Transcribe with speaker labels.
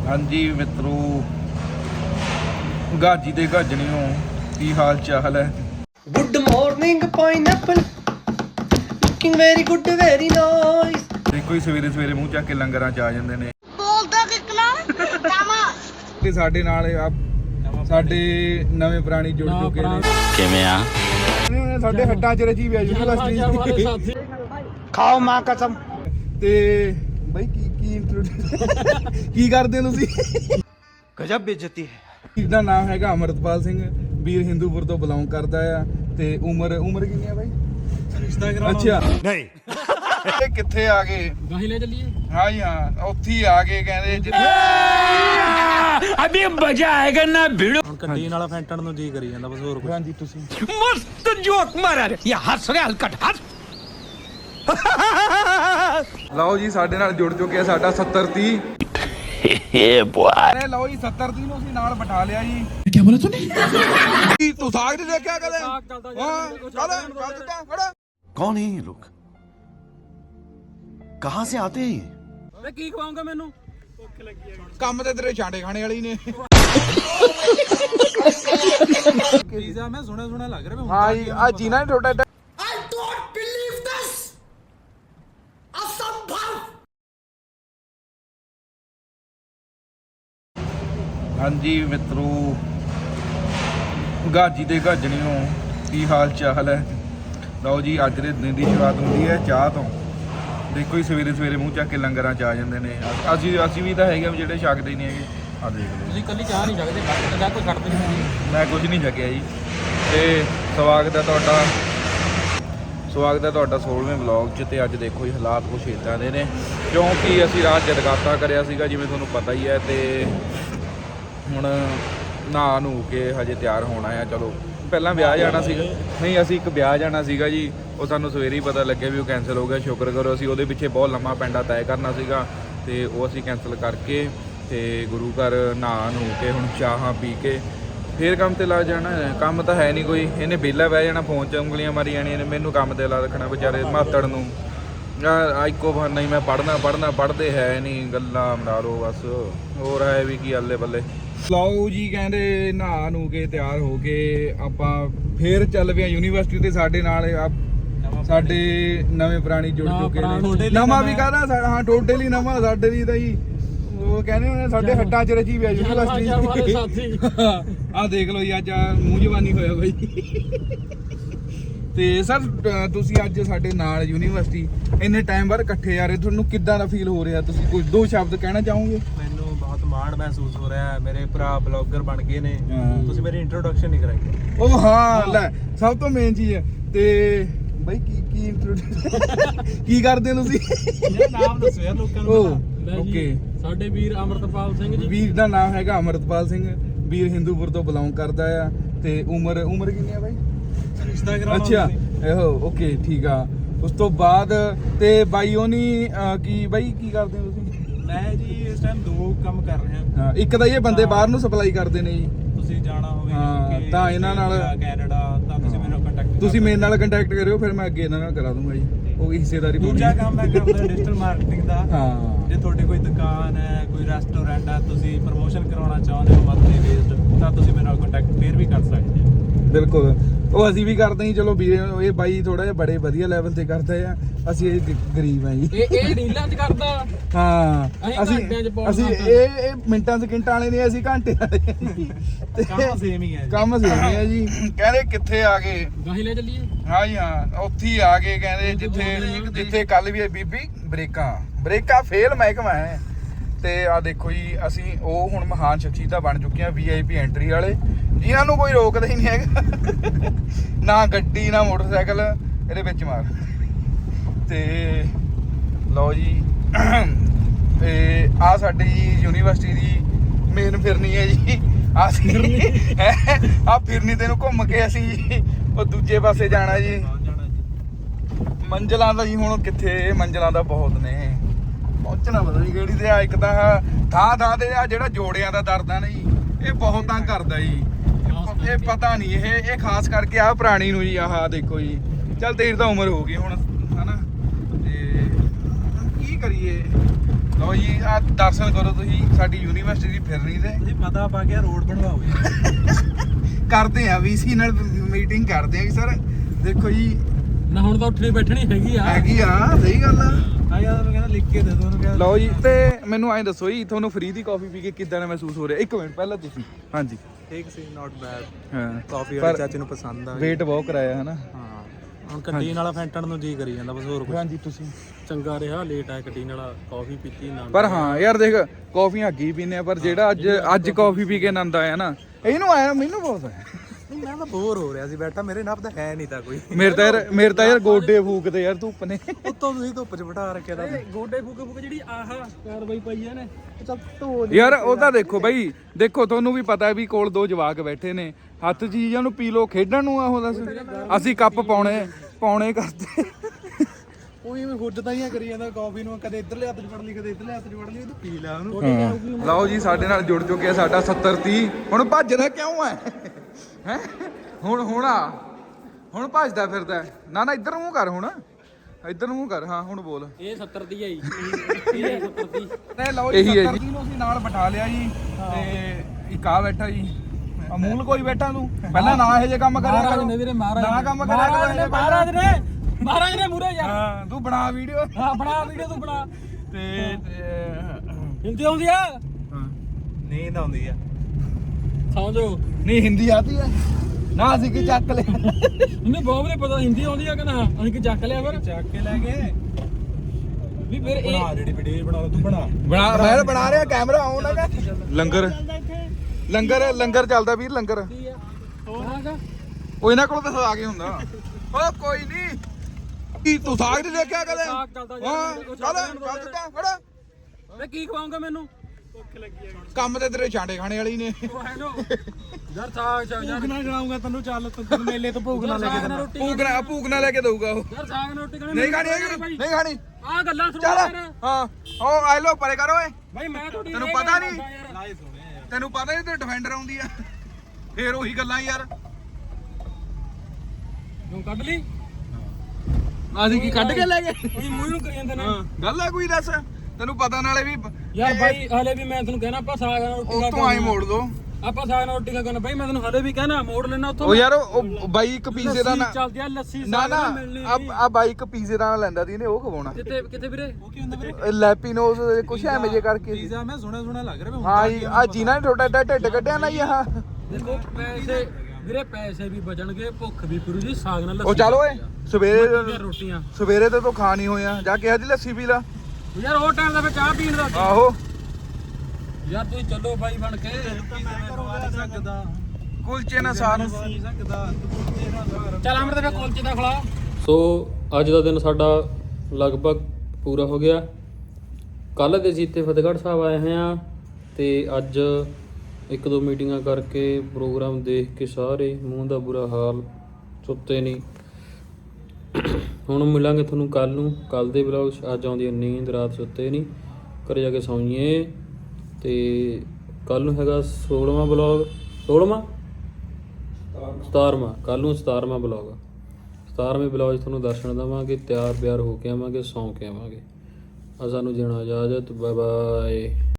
Speaker 1: ਹਾਂਜੀ ਮਿੱਤਰੋ, ਗਾਜੀ ਦੇ ਗਾਜਣਿਓ, ਕੀ ਹਾਲ ਚਾਲ ਹੈ?
Speaker 2: Good morning pineapple, looking very good very nice.
Speaker 1: ਦੇਖੋ ਹੀ ਸਵੇਰੇ ਸਵੇਰੇ ਮੂੰਹ ਚੱਕ ਕੇ ਲੰਗਰਾਂ ਚ ਆ ਜਾਂਦੇ ਨੇ।
Speaker 3: ਬੋਲਦਾ ਕਿਕਣਾ ਜਾਮਾ
Speaker 1: ਤੇ ਸਾਡੇ ਨਾਲ ਸਾਡੇ ਨਵੇਂ ਪ੍ਰਾਣੀ ਜੁੜ ਚੁੱਕੇ ਨੇ।
Speaker 4: ਕਿਵੇਂ ਆ?
Speaker 1: ਸਾਡੇ ਹੱਡਾਂ ਚ ਰਚੀ ਵੀ ਆ ਯੂਨੀਵਰਸਿਟੀ।
Speaker 2: ਖਾਓ ਮਾਂ ਕਸਮ।
Speaker 1: ਤੇ ਬਾਈ ਕੀ ਕੀ ਕਰਦੇ ਹੋ ਤੁਸੀਂ?
Speaker 2: ਗਜਬ ਬੇਇੱਜ਼ਤੀ ਹੈ।
Speaker 1: ਇਹਦਾ ਨਾਮ ਹੈਗਾ ਅਮਰਤਪਾਲ ਸਿੰਘ, ਵੀਰ ਹਿੰਦੂਪੁਰ ਤੋਂ ਬਿਲੋਂਗ ਕਰਦਾ ਆ। ਤੇ ਉਮਰ ਕਿੰਨੀ ਆ ਬਾਈ? ਅੱਛਾ
Speaker 2: ਨਹੀਂ
Speaker 1: ਇਹ ਕਿੱਥੇ ਆ ਗਏ?
Speaker 5: ਗਾਹੀ ਲੈ ਚੱਲੀਏ।
Speaker 1: ਹਾਂ ਜੀ ਹਾਂ, ਉੱਥੇ ਹੀ ਆ ਗਏ ਕਹਿੰਦੇ।
Speaker 4: ਅਬੇ ਮਜ਼ਾ ਆਏਗਾ ਨਾ ਭੀੜੋ।
Speaker 5: ਹੁਣ ਕੱਢੀ ਵਾਲਾ ਫੈਂਟਣ ਨੂੰ ਜੀ ਕਰੀ ਜਾਂਦਾ ਬਸ, ਹੋਰ ਕੁਝ।
Speaker 1: ਹਾਂਜੀ ਤੁਸੀਂ
Speaker 4: ਮਸਤ ਜੋਕ ਮਾਰਿਆ ਰੇ ਯਾ ਹੱਸ ਰਿਹਾ ਹਲਕਟ ਹੱਸ।
Speaker 1: ਲਓ ਜੀ, ਸਾਡੇ ਨਾਲ ਜੁੜ ਚੁੱਕਿਆ ਸਾਡਾ 70-30।
Speaker 4: ਏ ਬੁਆ
Speaker 1: ਲਓ ਜੀ 70-30 ਨੂੰ ਅਸੀਂ ਨਾਲ ਬਿਠਾ ਲਿਆ ਜੀ।
Speaker 4: ਕੀ ਬੋਲਾ ਤੂਨੇ?
Speaker 1: ਕੀ ਤੂੰ ਸਾਗ ਨਹੀਂ ਦੇਖਿਆ ਕਦੇ? ਹਾਂ ਚੱਲ ਖੜਾ।
Speaker 6: कौन है ये लोग? कहाँ से आते हैं ये?
Speaker 5: ਵੇ ਕੀ ਖਵਾਉਂਗਾ ਮੈਨੂੰ?
Speaker 1: ਕੰਮ ਤੇ ਤੇਰੇ ਛਾਂਡੇ ਖਾਣੇ ਵਾਲੀ ਨੇ।
Speaker 5: ਪੀਜ਼ਾ ਮੈਂ ਸੁਣਿਆ ਲੱਗ ਰਿਹਾ।
Speaker 1: ਹਾਂ ਜੀ, ਆ ਜੀਨਾ ਨੇ ਤੁਹਾਡਾ ਹਾਂਜੀ ਮਿੱਤਰੋ, ਗਾਜੀ ਦੇ ਗਾਜਣਿਓ, ਕੀ ਹਾਲ ਚਾਲ ਹੈ? ਲਓ ਜੀ, ਅੱਜ ਦੇ ਦਿਨ ਦੀ ਸ਼ੁਰੂਆਤ ਹੁੰਦੀ ਹੈ ਚਾਹ ਤੋਂ। ਦੇਖੋ ਹੀ ਸਵੇਰੇ ਸਵੇਰੇ ਮੂੰਹ ਚੱਕ ਕੇ ਲੰਗਰਾਂ ਚ ਆ ਜਾਂਦੇ ਨੇ। ਅਸੀਂ ਵੀ ਤਾਂ ਹੈਗੇ ਜਿਹੜੇ ਛਕਦੇ ਹੀ ਨਹੀਂ ਹੈਗੇ। ਆ ਦੇਖ ਲਓ,
Speaker 5: ਤੁਸੀਂ ਕੱਲੀ ਚਾਹ ਨਹੀਂ ਸਕਦੇ, ਬਾਕੀ ਤਾਂ ਕੋਈ ਛੱਡਦੇ ਨਹੀਂ।
Speaker 1: ਮੈਂ ਕੁਝ ਨਹੀਂ ਛਕਿਆ ਜੀ। ਤੇ ਸਵਾਗਤ ਹੈ ਤੁਹਾਡਾ 16ਵੇਂ ਵਲੌਗ 'ਚ। ਤੇ ਅੱਜ ਦੇਖੋ ਜੀ ਹਾਲਾਤ ਕੁਛ ਇੱਦਾਂ ਦੇ ਨੇ, ਕਿਉਂਕਿ ਅਸੀਂ ਰਾਤ ਜਗਰਾਤਾ ਕਰਿਆ ਸੀਗਾ, ਜਿਵੇਂ ਤੁਹਾਨੂੰ ਪਤਾ ਹੀ ਹੈ। ਤੇ ਹੁਣ ਨਹਾ ਨੂ ਕੇ ਹਜੇ ਤਿਆਰ ਹੋਣਾ ਆ। ਚਲੋ ਪਹਿਲਾਂ ਵਿਆਹ ਜਾਣਾ ਸੀਗਾ, ਨਹੀਂ ਅਸੀਂ ਇੱਕ ਵਿਆਹ ਜਾਣਾ ਸੀਗਾ ਜੀ। ਉਹ ਸਾਨੂੰ ਸਵੇਰੇ ਹੀ ਪਤਾ ਲੱਗਿਆ ਵੀ ਉਹ ਕੈਂਸਲ ਹੋ ਗਿਆ। ਸ਼ੁਕਰ ਕਰੋ, ਅਸੀਂ ਉਹਦੇ ਪਿੱਛੇ ਬਹੁਤ ਲੰਮਾ ਪੈਂਡਾ ਤੈਅ ਕਰਨਾ ਸੀਗਾ, ਤੇ ਉਹ ਅਸੀਂ ਕੈਂਸਲ ਕਰਕੇ ਤੇ ਗੁਰੂ ਘਰ ਨਹਾ ਨੂ ਕੇ ਹੁਣ ਚਾਹਾਂ ਪੀ ਕੇ ਫੇਰ ਕੰਮ ਤੇ ਲੱਗ ਜਾਣਾ। ਕੰਮ ਤਾਂ ਹੈ ਨਹੀਂ ਕੋਈ, ਇਹਨੇ ਵਿਹਲਾ ਬਹਿ ਜਾਣਾ, ਫੋਨ 'ਚ ਉਂਗਲੀਆਂ ਮਾਰੀ ਜਾਣੀਆਂ ਨੇ। ਮੈਨੂੰ ਕੰਮ ਤੇ ਲਾ ਰੱਖਣਾ ਵਿਚਾਰੇ ਮਾਤੜ ਨੂੰ। ਇੱਕੋ ਬਹਾਨਾ ਹੀ ਮੈਂ ਪੜ੍ਹਦੇ ਹੈ ਨਹੀਂ, ਗੱਲਾਂ ਬਣਾ ਲਓ ਬਸ। ਹੋਰ ਹੈ ਵੀ ਕੀ ਅੱਲੇ ਬੱਲੇ। ਲਓ ਜੀ, ਕਹਿੰਦੇ ਨਹਾ ਨੂ ਕੇ ਤਿਆਰ ਹੋ ਕੇ ਆਪਾਂ ਫੇਰ ਚੱਲ ਪਿਆ ਯੂਨੀਵਰਸਿਟੀ। ਤੇ ਸਾਡੇ ਨਾਲ ਸਾਡੇ ਨਵੇਂ ਪ੍ਰਾਣੀ ਜੁੜ ਚੁੱਕੇ ਨੇ। ਨਵਾਂ ਵੀ ਕਹਦਾ, ਹਾਂ ਟੋਟਲ ਹੀ ਨਵਾਂ ਸਾਡੇ ਲਈ ਤਾਂ ਜੀ। ਉਹ ਕਹਿੰਦੇ ਨੇ ਸਾਡੇ ਹੱਡਾਂ 'ਚ ਰਚੀ ਵੀ ਆ ਯੂਨੀਵਰਸਿਟੀ। ਆਹ ਦੇਖ ਲਓ ਜੀ, ਅੱਜ ਮੂੰਹ ਜਵਾਨੀ ਹੋਇਆ ਬਾਈ। ਤੇ ਸਰ, ਤੁਸੀਂ ਅੱਜ ਸਾਡੇ ਨਾਲ ਯੂਨੀਵਰਸਿਟੀ ਇੰਨੇ ਟਾਈਮ ਬਾਅਦ ਇਕੱਠੇ ਆ ਰਹੇ, ਤੁਹਾਨੂੰ ਕਿੱਦਾਂ ਦਾ ਫੀਲ ਹੋ ਰਿਹਾ? ਤੁਸੀਂ ਕੋਈ ਦੋ ਸ਼ਬਦ ਕਹਿਣਾ ਚਾਹੋਗੇ?
Speaker 5: ਮੈਨੂੰ ਬਹੁਤ ਮਾਣ ਮਹਿਸੂਸ ਹੋ ਰਿਹਾ ਹੈ। ਮੇਰੇ ਭਰਾ ਬਲੌਗਰ ਬਣ ਗਏ ਨੇ।
Speaker 1: ਹਾਂ।
Speaker 5: ਤੁਸੀਂ ਮੇਰੀ ਇੰਟਰੋਡਕਸ਼ਨ ਨਹੀਂ ਕਰਾਈ।
Speaker 1: ਉਹ ਹਾਂ, ਲੈ ਸਭ ਤੋਂ ਮੇਨ ਚੀਜ਼ ਹੈ। ਤੇ ਬਾਈ ਕੀ ਕੀ ਕਰਦੇ ਹੋ ਤੁਸੀਂ?
Speaker 5: ਇਹ ਨਾਮ ਦੱਸੋ ਯਾਰ ਲੋਕਾਂ ਨੂੰ।
Speaker 1: ਓਕੇ,
Speaker 5: ਸਾਡੇ ਵੀਰ ਅਮਰਤਪਾਲ ਸਿੰਘ ਜੀ।
Speaker 1: ਵੀਰ ਦਾ ਨਾਮ ਹੈਗਾ ਅਮਰਤਪਾਲ ਸਿੰਘ, ਵੀਰ ਹਿੰਦੂਪੁਰ ਤੋਂ ਬਿਲੋਂਗ ਕਰਦਾ ਆ। ਤੇ ਉਮਰ ਕਿੰਨੀ ਆ ਬਾਈ? ਅੱਛਾ, ਇਹੋ ਓਕੇ, ਠੀਕ ਆ। ਉਸ ਤੋਂ ਬਾਅਦ ਤੇ ਬਾਈ ਹੋਣੀ ਕੀ ਬਾਈ ਕੀ ਕਰਦੇ ਹੋ ਤੁਸੀਂ?
Speaker 5: ਮੈਂ ਜੀ ਇਸ ਟਾਈਮ ਦੋ ਕੰਮ ਕਰ ਰਿਹਾ।
Speaker 1: ਹਾਂ, ਇੱਕ ਤਾਂ ਇਹ ਬੰਦੇ ਬਾਹਰ ਨੂੰ ਸਪਲਾਈ ਕਰਦੇ ਨੇ ਜੀ।
Speaker 5: ਤੁਸੀਂ ਜਾਣਾ ਹੋਵੇ
Speaker 1: ਹਾਂ, ਤਾਂ ਇਹਨਾਂ ਨਾਲ
Speaker 5: ਕੈਨੇਡਾ, ਤਾਂ ਤੁਸੀਂ ਮੈਨੂੰ ਕੰਟੈਕਟ
Speaker 1: ਤੁਸੀਂ ਮੇਰੇ ਨਾਲ ਕੰਟੈਕਟ ਕਰਿਓ, ਫਿਰ ਮੈਂ ਅੱਗੇ ਇਹਨਾਂ ਨਾਲ ਕਰਾ ਦੂੰਗਾ ਜੀ। ਉਹ ਹਿੱਸੇਦਾਰੀ ਪਾਉਣੀ।
Speaker 5: ਦੂਜਾ ਕੰਮ ਮੈਂ ਕਰਦਾ ਡਿਜੀਟਲ ਮਾਰਕੀਟਿੰਗ ਦਾ।
Speaker 1: ਹਾਂ,
Speaker 5: ਜੇ ਤੁਹਾਡੀ ਕੋਈ ਦੁਕਾਨ ਹੈ, ਕੋਈ ਰੈਸਟੋਰੈਂਟ ਹੈ, ਤੁਸੀਂ ਪ੍ਰਮੋਸ਼ਨ ਕਰਾਉਣਾ ਚਾਹੁੰਦੇ ਹੋ ਮੰਥਲੀ ਬੇਸਡ, ਤਾਂ ਤੁਸੀਂ ਮੇਰੇ ਨਾਲ ਕੰਟੈਕਟ ਫੇਰ ਵੀ ਕਰ ਸਕਦੇ ਹੋ।
Speaker 1: ਬਿਲਕੁਲ, ਉਹ ਅਸੀਂ ਵੀ ਕਰਦੇ ਹਾਂ। ਚਲੋ ਵੀਰੇ, ਇਹ ਬਾਈ ਥੋੜਾ ਜਿਹਾ ਬੜੇ ਵਧੀਆ ਲੈਵਲ ਤੇ ਕਰਦਾ ਆ, ਅਸੀਂ ਇਹ ਗਰੀਬ ਆ ਜੀ।
Speaker 5: ਇਹ ਰੀਲਾਂ 'ਚ ਕਰਦਾ।
Speaker 1: ਹਾਂ,
Speaker 5: ਅਸੀਂ ਘੰਟਿਆਂ 'ਚ ਪਾਉਣ
Speaker 1: ਅਸੀਂ ਇਹ ਮਿੰਟਾਂ ਸਕਿੰਟਾਂ ਵਾਲੇ ਨੇ, ਅਸੀਂ ਘੰਟੇ ਵਾਲੇ।
Speaker 5: ਕੰਮ ਸੇਮ ਹੀ ਹੈ।
Speaker 1: ਕੰਮ ਸੇਮ ਹੀ ਹੈ ਜੀ। ਕਹਿੰਦੇ ਕਿੱਥੇ ਆ ਗਏ?
Speaker 5: ਗਾਹੀ ਲੈ ਚੱਲੀਏ।
Speaker 1: ਹਾਂ ਜੀ ਹਾਂ, ਉੱਥੇ ਹੀ ਆ ਗਏ ਕਹਿੰਦੇ ਜਿੱਥੇ ਕੱਲ ਵੀ ਬੀਬੀ ਬ੍ਰੇਕਾਂ ਫੇਲ ਮਹਿਕਮਾ ਹੈ। ਤੇ ਆ ਦੇਖੋ ਜੀ, ਅਸੀਂ ਉਹ ਹੁਣ ਮਹਾਨ ਸ਼ਖਸੀਅਤਾਂ ਬਣ ਚੁੱਕੇ ਆ, VIP ਐਂਟਰੀ ਵਾਲੇ, ਜਿਨ੍ਹਾਂ ਨੂੰ ਕੋਈ ਰੋਕਦਾ ਹੀ ਨਹੀਂ ਹੈਗਾ। ਨਾ ਗੱਡੀ ਨਾ ਮੋਟਰਸਾਈਕਲ, ਇਹਦੇ ਵਿੱਚ ਮਾਰ। ਤੇ ਲਓ ਜੀ, ਤੇ ਆ ਸਾਡੀ ਯੂਨੀਵਰਸਿਟੀ ਦੀ ਮੇਨ ਫਿਰਨੀ ਹੈ ਜੀ। ਆ ਫਿਰਨੀ ਤੈਨੂੰ ਘੁੰਮ ਕੇ ਅਸੀਂ ਉਹ ਦੂਜੇ ਪਾਸੇ ਜਾਣਾ ਜੀ। ਮੰਜ਼ਿਲਾਂ ਦਾ ਜੀ ਹੁਣ ਕਿੱਥੇ, ਮੰਜ਼ਿਲਾਂ ਦਾ ਬਹੁਤ ਨੇ, ਪਹੁੰਚਣਾ ਪਤਾ ਨਹੀਂ ਕਿਹੜੀ ਤੇ ਆ। ਇੱਕ ਤਾਂ ਥਾਂ ਤੇ ਆ ਜਿਹੜਾ ਜੋੜਿਆਂ ਦਾ ਦਰਦ ਆ ਨਾ ਜੀ, ਇਹ ਬਹੁਤ ਤੰਗ ਕਰਦਾ ਜੀ। ਇਹ ਪਤਾ ਨਹੀਂ, ਇਹ ਖਾਸ ਕਰਕੇ ਆ ਪ੍ਰਾਣੀ ਨੂੰ ਜੀ। ਆਹ ਦੇਖੋ ਜੀ, ਚੱਲ ਤੇਰੀ ਤਾਂ ਉਮਰ ਹੋ ਗਈ ਹੁਣ, ਹਨਾ। ਤੇ ਕੀ ਕਰੀਏ, ਲਓ ਜੀ ਆ ਦਰਸ਼ਨ ਕਰੋ ਤੁਸੀਂ ਸਾਡੀ ਯੂਨੀਵਰਸਿਟੀ ਦੀ ਫਿਰਨੀ ਦੇ।
Speaker 5: ਤੁਸੀਂ ਪਤਾ ਪਾ ਕੇ ਰੋਡ ਬਣਵਾਓ ਜੀ।
Speaker 1: ਕਰਦੇ ਆ ਵੀਸੀ ਨਾਲ ਮੀਟਿੰਗ ਕਰਦੇ ਆ ਕਿ ਸਰ ਦੇਖੋ ਜੀ
Speaker 5: ਨਾ ਹੁਣ ਤਾਂ ਉੱਠਣੀ ਬੈਠਣੀ ਹੈਗੀ ਆ
Speaker 1: ਸਹੀ ਗੱਲ ਆ।
Speaker 5: ਆ ਯਾਰ ਮੈਂ ਕਹਿੰਦਾ ਲਿਖ ਕੇ ਦੇ ਦੋ ਉਹਨੂੰ ਕਹਿੰਦਾ।
Speaker 1: ਲਓ ਜੀ ਤੇ ਮੈਨੂੰ ਐਂ ਦੱਸੋ ਜੀ ਤੁਹਾਨੂੰ ਫ੍ਰੀ ਦੀ ਕਾਫੀ ਪੀ ਕੇ ਕਿੱਦਾਂ ਦਾ ਮਹਿਸੂਸ ਹੋ ਰਿਹਾ? ਇੱਕ ਮਿੰਟ ਪਹਿਲਾਂ ਤੁਸੀਂ। ਹਾਂਜੀ
Speaker 5: ਠੀਕ ਸੀ, ਨਾਟ ਬੈਡ।
Speaker 1: ਹਾਂ
Speaker 5: ਕਾਫੀ
Speaker 1: ਪਰ
Speaker 5: ਵਾਲੇ ਚਾਚੇ ਨੂੰ ਪਸੰਦ ਆ ਗਈ।
Speaker 1: ਵੇਟ ਬਹੁਤ ਕਰਾਇਆ ਹਨਾ।
Speaker 5: ਹਾਂ ਹੁਣ ਕੰਟੀਨ ਵਾਲਾ ਫੈਂਟਣ ਨੂੰ ਜੀ ਕਰੀ ਜਾਂਦਾ ਬਸ, ਹੋਰ ਕੁਝ
Speaker 1: ਹਾਂਜੀ ਤੁਸੀਂ
Speaker 5: ਚੰਗਾ ਰਿਹਾ। ਲੇਟ ਆਇਆ ਕੰਟੀਨ ਵਾਲਾ, ਕਾਫੀ ਪੀਤੀ ਨਾ।
Speaker 1: ਪਰ ਹਾਂ ਯਾਰ ਦੇਖ ਕਾਫੀਆਂ ਅੱਗੇ ਹੀ ਪੀਨੇ ਆ ਪਰ ਜਿਹੜਾ ਅੱਜ ਕਾਫੀ ਪੀ ਕੇ ਆਨੰਦ ਆਇਆ ਨਾ ਇਹਨੂੰ ਆਇਆ ਮੈਨੂੰ ਬਹੁਤ ਆਇਆ।
Speaker 5: ਮੈਂ ਤਾਂ ਬੋਰ ਹੋ ਰਿਹਾ ਸੀ ਬੈਠਾ, ਮੇਰੇ ਨਾਲ ਤਾਂ ਹੈ ਨਹੀਂ ਤਾਂ ਕੋਈ।
Speaker 1: ਮੇਰੇ ਤਾਂ ਯਾਰ ਗੋਡੇ ਫੂਕਦੇ ਯਾਰ ਧੁੱਪ ਨੇ।
Speaker 5: ਉੱਤੋਂ ਤੁਸੀਂ ਧੁੱਪ 'ਚ ਬਿਠਾ ਰੱਖਿਆ ਤਾਂ ਗੋਡੇ ਫੂਕੇ ਜਿਹੜੀ ਆਹ ਕਾਰਵਾਈ ਪਈ ਹੈ ਨੇ ਚੱਲ ਧੋ
Speaker 1: ਯਾਰ ਉਹ ਤਾਂ ਦੇਖੋ ਬਾਈ ਦੇਖੋ ਤੁਹਾਨੂੰ ਵੀ ਪਤਾ ਹੈ ਵੀ ਕੋਲ ਦੋ ਜਵਾਕ ਬੈਠੇ ਨੇ ਹੱਥ 'ਚ ਚੀਜ਼ਾਂ ਨੂੰ ਪੀ ਲੋ ਖੇਡਣ ਨੂੰ ਆ ਉਹ ਦੱਸ ਅਸੀਂ ਕੱਪ ਪਾਉਣੇ ਕਰਦੇ।
Speaker 5: ਉਹੀ ਮੈਂ ਖੁਦ ਤਾਂ ਹੀ ਕਰੀ ਜਾਂਦਾ ਕਾਫੀ ਨੂੰ, ਕਦੇ ਇੱਧਰਲੇ ਹੱਥ 'ਚ ਫੜ ਲਈ ਕਦੇ ਇੱਧਰਲੇ ਹੱਥ 'ਚ ਫੜ ਲਈ, ਤੂੰ ਪੀ ਲੈ ਉਹਨੂੰ।
Speaker 1: ਲਓ ਜੀ ਸਾਡੇ ਨਾਲ ਜੁੜ ਚੁੱਕਿਆ ਸਾਡਾ 70-30। ਹੁਣ ਭੱਜਦਾ ਕਿਉਂ ਹੈ ਹੈ ਹੁਣ ਭੱਜਦਾ ਫਿਰਦਾ ਨਾ ਇੱਧਰ ਨੂੰ ਮੂੰਹ ਕਰ ਹੁਣ ਇੱਧਰ ਨੂੰ ਮੂੰਹ ਕਰ। ਹਾਂ ਹੁਣ ਬੋਲ।
Speaker 5: ਇਹ 70 ਦੀ ਆਈ ਇਹ 70 ਦੀ
Speaker 1: ਤੇ ਲਓ ਜੀ 70 ਨੂੰ ਅਸੀਂ ਨਾਲ ਬਿਠਾ ਲਿਆ ਜੀ ਤੇ ਇੱਕ ਆ ਬੈਠਾ ਜੀ ਅਮੂਲ ਕੋਈ ਬੈਠਾ ਤੂੰ ਪਹਿਲਾਂ ਨਾ ਇਹ ਜੇ ਕੰਮ ਕਰਿਆ
Speaker 5: ਮਹਾਰਾਜ ਨੇ ਵੀਰੇ, ਮਹਾਰਾਜ
Speaker 1: ਨਾ ਕੰਮ ਕਰਿਆ ਕਰੋ
Speaker 5: ਮਹਾਰਾਜ ਨੇ ਮੂਰੇ ਯਾਰ।
Speaker 1: ਹਾਂ ਤੂੰ ਬਣਾ ਵੀਡੀਓ।
Speaker 5: ਹਾਂ ਬਣਾ ਵੀਡੀਓ, ਤੂੰ ਬਣਾ।
Speaker 1: ਤੇ
Speaker 5: ਹਿੰਦੀ ਆਉਂਦੀ ਆ?
Speaker 1: ਹਾਂ
Speaker 5: ਨੀਂਦ ਆਉਂਦੀ ਆ, ਸੌਂ ਜਾਓ।
Speaker 1: ਨਹੀਂ ਹਿੰਦੀ ਆਤੀ ਹੈ ਨਾ ਅਸੀਂ ਕੀ ਚੱਕ ਲਿਆ।
Speaker 5: ਇਹਨੂੰ ਬਹੁਤ ਨਹੀਂ ਪਤਾ ਹਿੰਦੀ ਆਉਂਦੀ ਆ ਕਿ ਨਾ। ਅਸੀਂ ਕਿ ਚੱਕ ਲਿਆ ਫਿਰ ਚੱਕ ਕੇ ਲੈ ਗਏ ਵੀ ਫਿਰ ਇਹ ਬਣਾ ਜਿਹੜੀ ਵੀਡੀਓ ਬਣਾ ਤੂੰ ਬਣਾ
Speaker 1: ਮੈਂ ਬਣਾ ਰਿਹਾ ਕੈਮਰਾ ਆਨ ਹੈਗਾ। ਲੰਗਰ ਚੱਲਦਾ ਵੀਰ ਲੰਗਰ। ਉਹ ਇਹਨਾਂ ਕੋਲ ਤਾਂ ਸਾਗ ਹੀ ਹੁੰਦਾ। ਓ ਕੋਈ ਨਹੀਂ ਕੀ ਤੂੰ ਸਾਗ ਨਹੀਂ ਦੇਖਿਆ ਕਦੇ?
Speaker 5: ਸਾਗ ਚੱਲਦਾ
Speaker 1: ਹਾਂ ਚੱਲ ਦਿੱਤਾ ਫੜ।
Speaker 5: ਵੇ ਕੀ ਖਵਾਉਂਗਾ ਮੈਨੂੰ?
Speaker 1: ਕੰਮ ਤੇ ਤੇਰੇ ਛਾਂਡੇ ਖਾਣੇ ਵਾਲੀ ਨੇ।
Speaker 5: ਹੈਲੋ ਯਾਰ ਸਾਗ ਯਾਰ ਨਾ ਖਵਾਉਂਗਾ ਤੈਨੂੰ। ਚੱਲ ਤੈਨੂੰ ਮੇਲੇ ਤੋਂ ਭੋਗ ਨਾ ਲੈ ਕੇ ਦੇਣਾ।
Speaker 1: ਭੂਕ ਨਾ ਲੈ ਕੇ ਦਊਗਾ ਉਹ।
Speaker 5: ਯਾਰ ਸਾਗ ਨਾਲ ਰੋਟੀ
Speaker 1: ਨਹੀਂ ਖਾਣੀ ਹੈਗੀ ਨਹੀਂ ਖਾਣੀ।
Speaker 5: ਆ ਗੱਲਾਂ ਸੁਣ
Speaker 1: ਚੱਲ
Speaker 5: ਯਾਰ।
Speaker 1: ਹਾਂ ਉਹ ਆਇ ਲੋ ਪਰੇ ਕਰ ਓਏ।
Speaker 5: ਭਾਈ ਮੈਂ ਤੁਹਾਡੀ
Speaker 1: ਤੈਨੂੰ ਪਤਾ ਨਹੀਂ ਤੈਨੂੰ ਪਤਾ ਨਹੀਂ ਤੇ ਡਿਫੈਂਡਰ ਆਉਂਦੀ ਆ ਫੇਰ ਉਹੀ ਗੱਲਾਂ ਯਾਰ।
Speaker 5: ਤੂੰ ਕੱਢ ਲਈ
Speaker 1: ਅਸੀਂ ਕੀ ਕੱਢ ਕੇ ਲੈ ਗਏ?
Speaker 5: ਤੁਸੀਂ ਮੂੰਹ ਨੂੰ ਕਰੀ ਜਾਂਦੇ ਨਾ।
Speaker 1: ਗੱਲ ਆ ਕੋਈ ਦੱਸ ਤੈਨੂੰ ਪਤਾ ਨਾਲੇ ਵੀ
Speaker 5: ਯਾਰ ਭਾਈ ਹਲੇ ਵੀ ਮੈਂ ਤੁਹਾਨੂੰ ਕਹਿਣਾ ਆਪਾਂ ਸਾਗ ਨਾਲ ਰੋਟੀ ਖਾ
Speaker 1: ਉੱਤੋਂ ਆਏ ਮੋੜ ਦੋ।
Speaker 5: ਆਪਾਂ ਸਾਗ ਨਾਲ ਰੋਟੀ ਖਾ ਕਰਨਾ। ਭਾਈ ਮੈਂ ਤੁਹਾਨੂੰ ਹਲੇ ਵੀ ਕਹਿਣਾ ਮੋੜ ਲੈਣਾ ਉੱਥੋਂ।
Speaker 1: ਉਹ ਯਾਰ ਉਹ ਬਾਈ ਇੱਕ ਪੀਜ਼ੇ ਦਾ ਨਾ
Speaker 5: ਚੱਲਦੀ ਆ ਲੱਸੀ
Speaker 1: ਨਾ
Speaker 5: ਸਾਗ
Speaker 1: ਨਾ
Speaker 5: ਨਾਲ ਮਿਲਣੀ
Speaker 1: ਆ ਬਾਈ ਇੱਕ ਪੀਜ਼ੇ ਦਾ ਲੈਂਦਾ ਸੀ ਨੇ ਉਹ ਖਵਾਉਣਾ।
Speaker 5: ਕਿੱਥੇ ਵੀਰੇ? ਉਹ ਕੀ ਹੁੰਦਾ ਵੀਰੇ?
Speaker 1: ਲੈਪੀਨੋਸ ਕੁਛ ਐਵੇਂ ਜੇ ਕਰਕੇ ਸੀ।
Speaker 5: ਪੀਜ਼ਾ ਮੈਂ ਸੁਣਿਆ ਲੱਗ ਰਿਹਾ।
Speaker 1: ਹਾਂ ਜੀ ਆ ਜੀਨਾ ਨੇ ਤੁਹਾਡਾ ਢਿੱਡ ਕੱਢਿਆ ਨਾ ਜੀ ਆਹ।
Speaker 5: ਦੇਖੋ ਪੈਸੇ ਵੀਰੇ ਪੈਸੇ ਵੀ ਬਚਣਗੇ, ਭੁੱਖ ਵੀ ਪੂਰੀ ਜੀ। ਸਾਗ ਨਾਲ ਲੱਸੀ
Speaker 1: ਉਹ ਚੱਲ ਓਏ ਸਵੇਰੇ
Speaker 5: ਰੋਟੀਆਂ
Speaker 1: ਸਵੇਰੇ ਤੇ ਤੂੰ ਖਾ ਨਹੀਂ ਹੋਇਆ ਜਾ ਕੇ ਆਦੀ ਲੱਸੀ ਪੀ ਲਾ।
Speaker 5: ਯਾਰ ਉਹ ਟਾਈਮ ਦਾ ਫਿਰ ਚਾਹ ਪੀਣ ਦਾ।
Speaker 1: ਆਹੋ
Speaker 5: ਯਾਰ ਤੁਸੀਂ ਚੱਲੋ ਬਾਈ ਬਣ ਕੇ।
Speaker 1: ਕੁਲਚੇ ਨਾਲ ਸਾਰ
Speaker 5: ਚੱਲ ਅਮਰ ਤੇ ਫਿਰ ਕੁਲਚੇ ਦਾ ਖਲਾ। ਸੋ ਅੱਜ ਦਾ ਦਿਨ ਸਾਡਾ ਲਗਭਗ ਪੂਰਾ ਹੋ ਗਿਆ। ਕੱਲ ਦੇ ਅਸੀਂ ਇੱਥੇ ਫਤਿਹਗੜ੍ਹ ਸਾਹਿਬ ਆਏ ਹੋਏ ਆ ਤੇ ਅੱਜ ਇੱਕ ਦੋ ਮੀਟਿੰਗਾਂ ਕਰਕੇ ਪ੍ਰੋਗਰਾਮ ਦੇਖ ਕੇ ਸਾਰੇ ਮੂੰਹ ਦਾ ਬੁਰਾ ਹਾਲ, ਸੁੱਤੇ ਨਹੀਂ। ਹੁਣ ਮਿਲਾਂਗੇ ਤੁਹਾਨੂੰ ਕੱਲ ਨੂੰ, ਕੱਲ ਦੇ ਵਲੌਗ 'ਚ। ਅੱਜ ਆਉਂਦੀ ਨੀਂਦ, ਰਾਤ ਸੁੱਤੇ ਨਹੀਂ, ਘਰੇ ਜਾ ਕੇ ਸੌਂਈਏ। ਤੇ ਕੱਲ ਨੂੰ ਹੈਗਾ 16ਵਾਂ ਵਲੌਗ। 17ਵਾਂ ਕੱਲ ਨੂੰ 17ਵਾਂ ਵਲੌਗ। 17ਵੇਂ ਵਲੌਗ 'ਚ ਤੁਹਾਨੂੰ ਦਰਸ਼ਨ ਦੇਵਾਂਗੇ, ਤਿਆਰ ਬਿਆਰ ਹੋ ਕੇ ਆਵਾਂਗੇ, ਸੌਂ ਕੇ ਆਵਾਂਗੇ। ਆ ਸਾਨੂੰ ਦੇਣਾ ਇਜਾਜ਼ਤ। Bye bye.